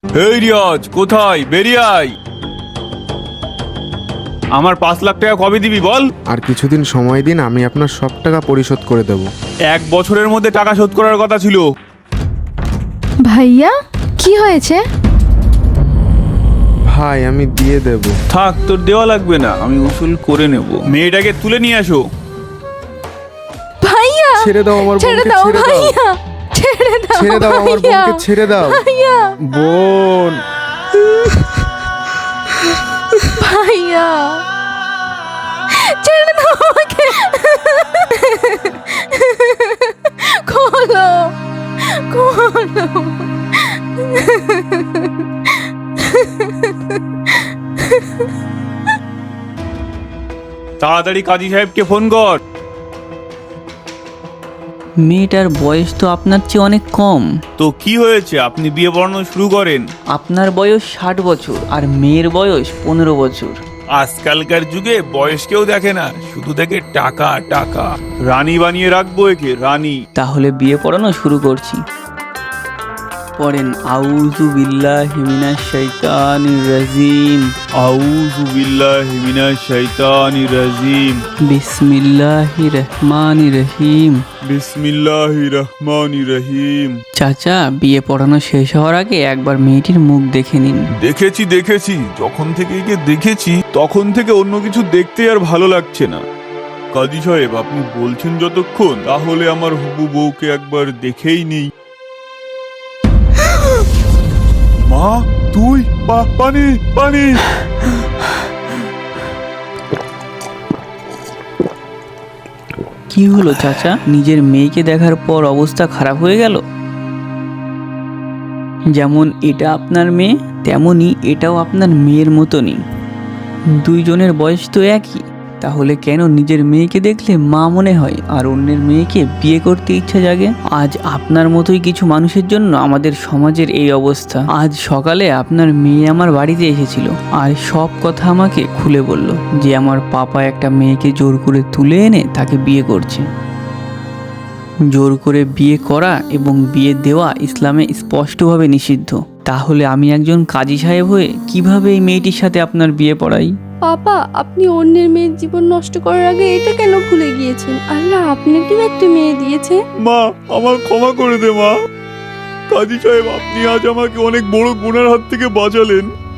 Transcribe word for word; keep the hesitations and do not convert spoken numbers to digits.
এই রিয়াজ, কোথায়? বেরিয়ে আয়। আমার পাঁচ লাখ টাকা কবে দিবি বল? আর কিছুদিন সময় দিন, আমি আপনার সব টাকা পরিশোধ করে দেব। এক বছরের মধ্যে টাকা শোধ করার কথা ছিল। ভাইয়া কি হয়েছে? ভাই আমি দিয়ে দেব। থাক, তোর দেওয়া লাগবে না, আমি উসুল করে নেব। মেয়েটাকে তুলে নিয়ে আসো। ভাইয়া ছেড়ে দাও আমার ছেড়ে বোনকে, দাও ছেড়ে দাও। ভাইয়া, ছেড়ে দাও ছেড়ে দাও আমার ভাইয়া, বোনকে, ছেড়ে দাও। ভাইয়া বোন, ভাইয়া ছেড়ে দাও আমাকে। খোলো খোলো। তাড়াতাড়ি কাজী সাহেবকে ফোন কর। মেয়েটার বয়স তো আপনার চেয়ে অনেক কম। তো কি হয়েছে, আপনি বিয়ে পড়ানো শুরু করেন। আপনার বয়স ষাট বছর আর মেয়ের বয়স পনেরো বছর। আজকালকার যুগে বয়স কেউ দেখে না, শুধু দেখে টাকা টাকা। রানী বানিয়ে রাখবো একে, রানী। তাহলে বিয়ে পড়ানো শুরু করছি। পড়েন আউযু বিল্লাহি মিনাশ শাইতানির রাজিম, আউযু বিল্লাহি মিনাশ শাইতানির রাজিম, বিসমিল্লাহির রহমানির রহিম। বিসমিল্লাহির রহমানির রহিম। চাচা, বিয়ে পড়ানো শেষ হওয়ার আগে একবার মেয়েটির মুখ দেখে নিন। দেখেছি দেখেছি, যখন থেকে একে দেখেছি তখন থেকে অন্য কিছু দেখতে আর ভালো লাগছে না। কাজী সাহেব, আপনি বলছেন যতক্ষণ, তাহলে আমার হবু বউকে একবার দেখেই নেই। মা, তুই? পা- পানি পানি। কি হলো চাচা, নিজের মেয়েকে দেখার পর অবস্থা খারাপ হয়ে গেল? যেমন এটা আপনার মেয়ে, তেমনই এটাও আপনার মেয়ের মতনই। দুইজনের বয়স তো একই, তাহলে কেন নিজের মেয়েকে দেখলে মা মনে হয় আর অন্যের মেয়েকে বিয়ে করতে ইচ্ছা জাগে? আজ আপনার মতোই কিছু মানুষের জন্য আমাদের সমাজের এই অবস্থা। আজ সকালে আপনার মেয়ে আমার বাড়িতে এসেছিল আর সব কথা আমাকে খুলে বলল যে আমার পাপা একটা মেয়েকে জোর করে তুলে এনে তাকে বিয়ে করছে। জোর করে বিয়ে করা এবং বিয়ে দেওয়া ইসলামে স্পষ্টভাবে নিষিদ্ধ। তাহলে আমি একজন কাজী সাহেব হয়ে কিভাবে এই মেয়েটির সাথে আপনার বিয়ে পড়াই? পাপা, আপনি অন্যের মেয়ের জীবন নষ্ট করার আগে এটা কেন ভুলে গিয়েছেন? আল্লাহ আপনাকেও একটা মেয়ে দিয়েছে। মা, আমার ক্ষমা করে দে মা। কাজী সাহেব, আপনি আজ আমাকে অনেক বড় গুনার হাত থেকে বাঁচালেন।